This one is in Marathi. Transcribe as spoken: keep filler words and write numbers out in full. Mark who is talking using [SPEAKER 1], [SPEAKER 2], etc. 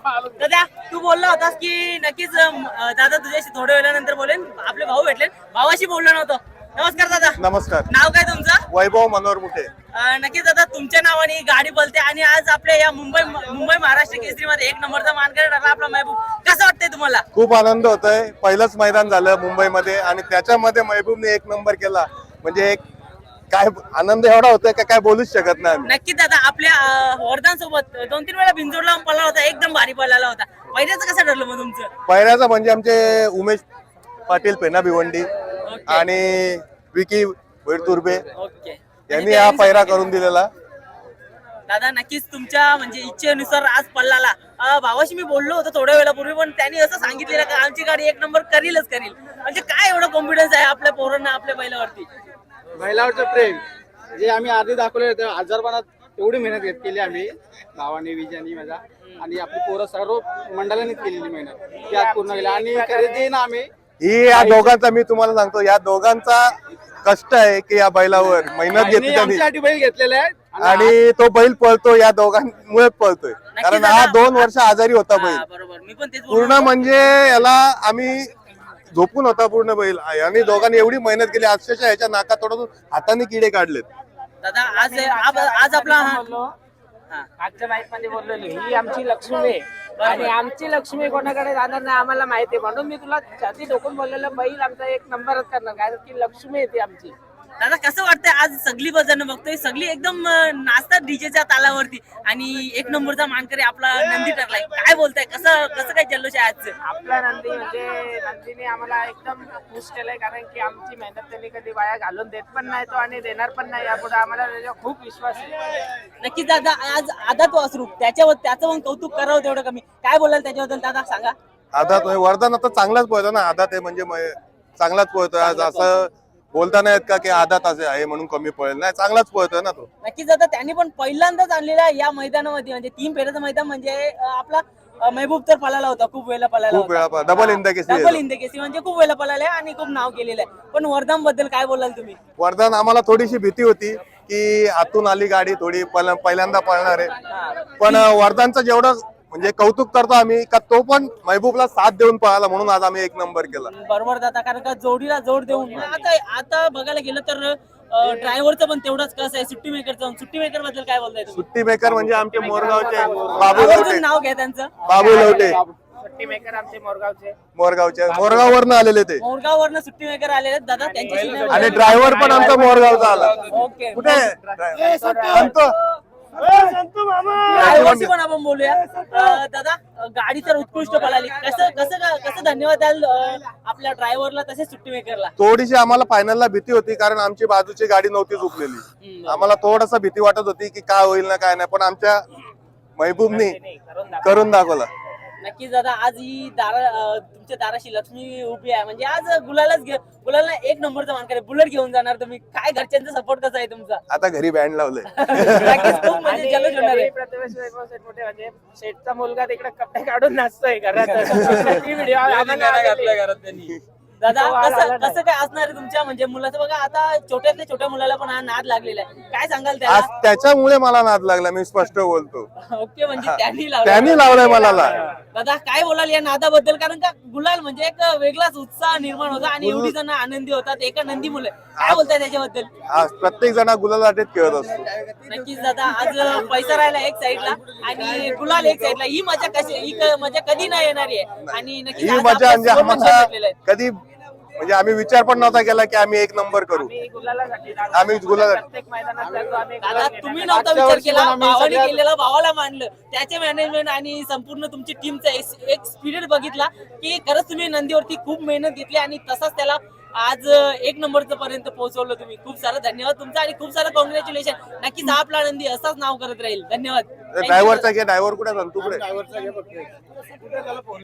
[SPEAKER 1] दादा तू बोलला होतास की नक्कीच अं, दादा तुझ्याशी थोड्या वेळानंतर बोलेन. आपले भाऊ भेटले, भावाशी बोललो नव्हतो. नमस्कार दादा.
[SPEAKER 2] नमस्कार.
[SPEAKER 1] नाव काय तुमचं?
[SPEAKER 2] वैभव मनोहर मुठे.
[SPEAKER 1] अं, नक्कीच दादा तुमच्या नावाने ही गाडी बोलते आणि आज आपल्या या मुंबई मुंबई महाराष्ट्र केसरी मध्ये एक नंबरचा मानकरी ठरला आपला महबूब. कसं वाटतंय तुम्हाला?
[SPEAKER 2] खूप आनंद होतोय. पहिलंच मैदान झालं मुंबईमध्ये आणि त्याच्यामध्ये महबूबने एक नंबर केला म्हणजे एक काय आनंद एवढा होतोय का काय बोलूच शकत नाही आम्ही.
[SPEAKER 1] नक्की दादा आपल्या वर्धन सोबत दोन तीन वेळा बिंजोडला पळाला होता, एकदम भारी पळाला होता. पहिल्याचं कसं ठरलं मग तुमचं?
[SPEAKER 2] पहिल्याचा म्हणजे आमचे उमेश पाटील पेना भिवंडी आणि विकी वैरतुर्बे
[SPEAKER 1] ओके
[SPEAKER 2] यांनी हा पैरा करून दिलेला.
[SPEAKER 1] दादा नक्कीच तुमच्या म्हणजे इच्छेनुसार आज पल्लाला अं, भावाशी मी बोललो होतो थोड्या वेळापूर्वी, पण त्यांनी असं सांगितलेलं की आमची गाडी एक नंबर करीलच करील. म्हणजे काय एवढं कॉन्फिडन्स आहे आपल्या पोरांना आपल्या बैलावरती?
[SPEAKER 3] बैलावरचं प्रेम जे आम्ही आधी दाखवले होते आजारपणात एवढी मेहनत घेत केली आम्ही भावाने विजयानी माझा आणि आपली पोरं सर्व मंडळाने केलेली मेहनत ती आज पूर्ण केली आणि खरेदी ना आम्ही
[SPEAKER 2] ही या दोघांचा मी तुम्हाला सांगतो या दोघांचा कष्ट आहे की या बैलावर मेहनत घेतली त्यांनी
[SPEAKER 3] आमच्यासाठी बैल घेतलेले आहेत
[SPEAKER 2] आणि तो बैल पळतो या दोघांमुळे पळतोय. कारण हा दोन वर्ष आजारी होता बैल
[SPEAKER 1] हा, बरोबर मी पण तेच बोललो.
[SPEAKER 2] पूर्ण म्हणजे याला आम्ही झोपून होता पूर्ण बैल आणि दोघांनी एवढी मेहनत केली अक्षरशः ह्याच्या नाका तोडून हाताने किडे काढलेत.
[SPEAKER 1] दादा आज आज आज आपला हा- हा.
[SPEAKER 4] आजच्या माहित मध्ये बोललेलो ही आमची लक्ष्मी आहे आणि आमची लक्ष्मी कोणाकडे जाणार नाही आम्हाला माहिती आहे, म्हणून मी तुला छाती डोकून बोललेलं बैल आमचा एक नंबरच करणार काय की लक्ष्मी आहे ती आमची.
[SPEAKER 1] दादा कसं वाटतंय आज सगळी बजन बघतोय, सगळी एकदम अं, नाचतात डीजेच्या तालावरती आणि एक नंबरचा मानकरी आपला नंदी ठरलाय. काय बोलताय, कसं कसं काय जल्लोष आहे आजचं?
[SPEAKER 4] आपला नंदी म्हणजे नंदीने आम्हाला एकदम खुश केलंय कारण की आमची मेहनत त्यांनी कधी वाया घालून देत पण नाही तो आणि देणार पण नाही यापुढे आम्हाला त्याच्यावर खूप विश्वास आहे.
[SPEAKER 1] नक्कीच दादा आज आदा तो असरू त्याच्यावर त्याचं पण कौतुक करावं तेवढं कमी. काय बोलाल त्याच्याबद्दल दादा सांगा?
[SPEAKER 2] आधा तो वरदान आता चांगलाच पोहतो ना. आधा ते म्हणजे म- चांगलाच पोहतोय आज असं बोलता नाही येत का की आधा तास आहे म्हणून कमी पळेल नाही, चांगलाच पोहतोय ना तो.
[SPEAKER 1] नक्कीच दादा त्यांनी पण पहिल्यांदाच आणलेला या मैदानामध्ये म्हणजे तीन फेऱ्याचं मैदान म्हणजे अं, आपला अं, महबूब तर पळाला होता, खूप वेळेला पळाला
[SPEAKER 2] खूप वेळा डबल इंद केसरी
[SPEAKER 1] डबल इंद केसी म्हणजे खूप वेळेला पळाला आहे आणि खूप नाव केलेलं आहे. पण वर्धन बद्दल काय बोलाल तुम्ही?
[SPEAKER 2] वरदान आम्हाला थोडीशी भीती होती की आतून आली गाडी थोडी पहिल्या- पहिल्यांदा पळणार आहे, पण वरदानचं जेवढं म्हणजे कौतुक करतो आम्ही का तो पण महबूबला साथ देऊन पळाला म्हणून आज आम्ही एक नंबर केला.
[SPEAKER 1] बरोबर दादा, कारण का जोडीला जोड देऊन आता आता बघायला गेलं तर ड्रायव्हरचं पण तेवढंच कसं आहे, सुट्टी मेकरचं सुट्टी मेकर बद्दल काय बोलताय तुम्ही?
[SPEAKER 2] सुट्टी मेकर म्हणजे आमचे मोरगावचे बाबू
[SPEAKER 1] आवर्जून
[SPEAKER 2] लवटे.
[SPEAKER 1] नाव घ्या त्यांचं.
[SPEAKER 2] बाबू लवटे
[SPEAKER 4] सुट्टी मेकर आमचे मोरगावचे
[SPEAKER 2] मोरगावचे मोरगाववरनं आलेले ते
[SPEAKER 1] मोरगाववरनं सुट्टी मेकर आलेले आहेत दादा, त्यांच्याशी नाही
[SPEAKER 2] आणि
[SPEAKER 1] बोलत.
[SPEAKER 2] ड्रायव्हर पण आमचा मोरगावचा आला.
[SPEAKER 1] ओके
[SPEAKER 2] कुठे आहे? संतो.
[SPEAKER 1] ड्रायव्हरशी पण आपण बोलूया. अं, दादा अं, गाडी तर उत्कृष्ट पळाली, कसं कसं कसं धन्यवाद द्याल अं, आपल्या ड्रायव्हरला तसेच सुट्टी मेकरला?
[SPEAKER 2] थोडीशी आम्हाला फायनलला भीती होती कारण आमची बाजूची गाडी नव्हती चुकलेली. आम्हाला थोडस भीती वाटत होती की काय होईल ना काय नाही, पण आमच्या महबूबनी करून दाखवला.
[SPEAKER 1] नक्कीच दादा आज ही दारा अं, तुमच्या दाराशी लक्ष्मी उभी आहे म्हणजे आज गुलालाच घे गुलाला एक नंबरचा मानकरी बुलेट घेऊन जाणार तुम्ही. काय घरच्यांचा सपोर्ट कसा आहे तुमचा?
[SPEAKER 2] आता घरी बँड लावलंय.
[SPEAKER 1] नक्कीच खूप म्हणजे जल्लोष होणार आहे.
[SPEAKER 4] आणि प्रथमेश वैभव शेठ मोठे म्हणजे शेठचा मुलगा तिकडे कपडे काढून नाचतोय घरात ती व्हिडिओ आम्हाला आलेली.
[SPEAKER 1] दादा
[SPEAKER 4] तो आला
[SPEAKER 1] कसं
[SPEAKER 4] नाही.
[SPEAKER 1] कसं काय असणार आहे तुमच्या म्हणजे मुलाचं? बघा आता छोट्यातल्या छोट्या मुलाला पण हा नाद लागलेला आहे, काय सांगाल
[SPEAKER 2] आज
[SPEAKER 1] त्याला?
[SPEAKER 2] त्याच्यामुळे मला नाद लागला, मी स्पष्ट बोलतो.
[SPEAKER 1] ओके म्हणजे त्यांनी लावलं.
[SPEAKER 2] त्यांनी लावलाय मला ला-
[SPEAKER 1] दादा काय बोलाल या नादाबद्दल? कारण का गुलाल म्हणजे एक वेगळाच उत्साह निर्माण होता आणि एवढी जण आनंदी होतात एका नंदी मुले. काय बोलताय त्याच्याबद्दल?
[SPEAKER 2] आज प्रत्येक जण गुलाल अटेत खेळत असतो.
[SPEAKER 1] नक्कीच दादा आज पैसा राहिला एक साईडला आणि गुलाल एक साईडला. ही मजा कशी ही क- मजा कधी नाही येणारी आहे आणि नक्कीच
[SPEAKER 2] ही
[SPEAKER 1] आज
[SPEAKER 2] मजा
[SPEAKER 1] आपल्या
[SPEAKER 2] म्हणजे
[SPEAKER 1] सुवर्ण क्षण
[SPEAKER 2] आम्हाला
[SPEAKER 1] भेटलेला आहे.
[SPEAKER 2] कधी म्हणजे आम्ही विचार पण नव्हता केला की आम्ही एक नंबर करू.
[SPEAKER 4] आम्ही गुलालासाठी जातो.
[SPEAKER 2] आम्ही गुलाल
[SPEAKER 4] प्रत्येक मैदानात जातो आम्ही
[SPEAKER 1] दादा
[SPEAKER 4] गुलाल
[SPEAKER 1] तुम्ही
[SPEAKER 4] घेण्यासाठी.
[SPEAKER 1] नव्हता
[SPEAKER 3] मागच्या
[SPEAKER 1] विचार
[SPEAKER 3] वर्षी
[SPEAKER 1] केला,
[SPEAKER 3] पण आम्ही
[SPEAKER 1] भावाने
[SPEAKER 3] सगळ्यात-
[SPEAKER 1] केलेला, भावाला मानलं, त्याचे मॅनेजमेंट आणि संपूर्ण तुमची टीमचा एक स्पिरिट बघितला की खरंच तुम्ही नंदीवरती खूप मेहनत घेतली आणि तसाच त्याला आज एक नंबरचं पर्यंत पोहोचवलं तुम्ही. खूप सारा धन्यवाद तुमचा आणि खूप सारं कॉंग्रॅच्युलेशन. नक्कीच हा आपला नंदी असाच नाव करत राहील. धन्यवाद. Thank you.
[SPEAKER 2] ड्रायव्हरचा घे ड्रायव्हर कुठे सांग तू कुठे
[SPEAKER 3] ड्रायव्हरचा घे फक्त.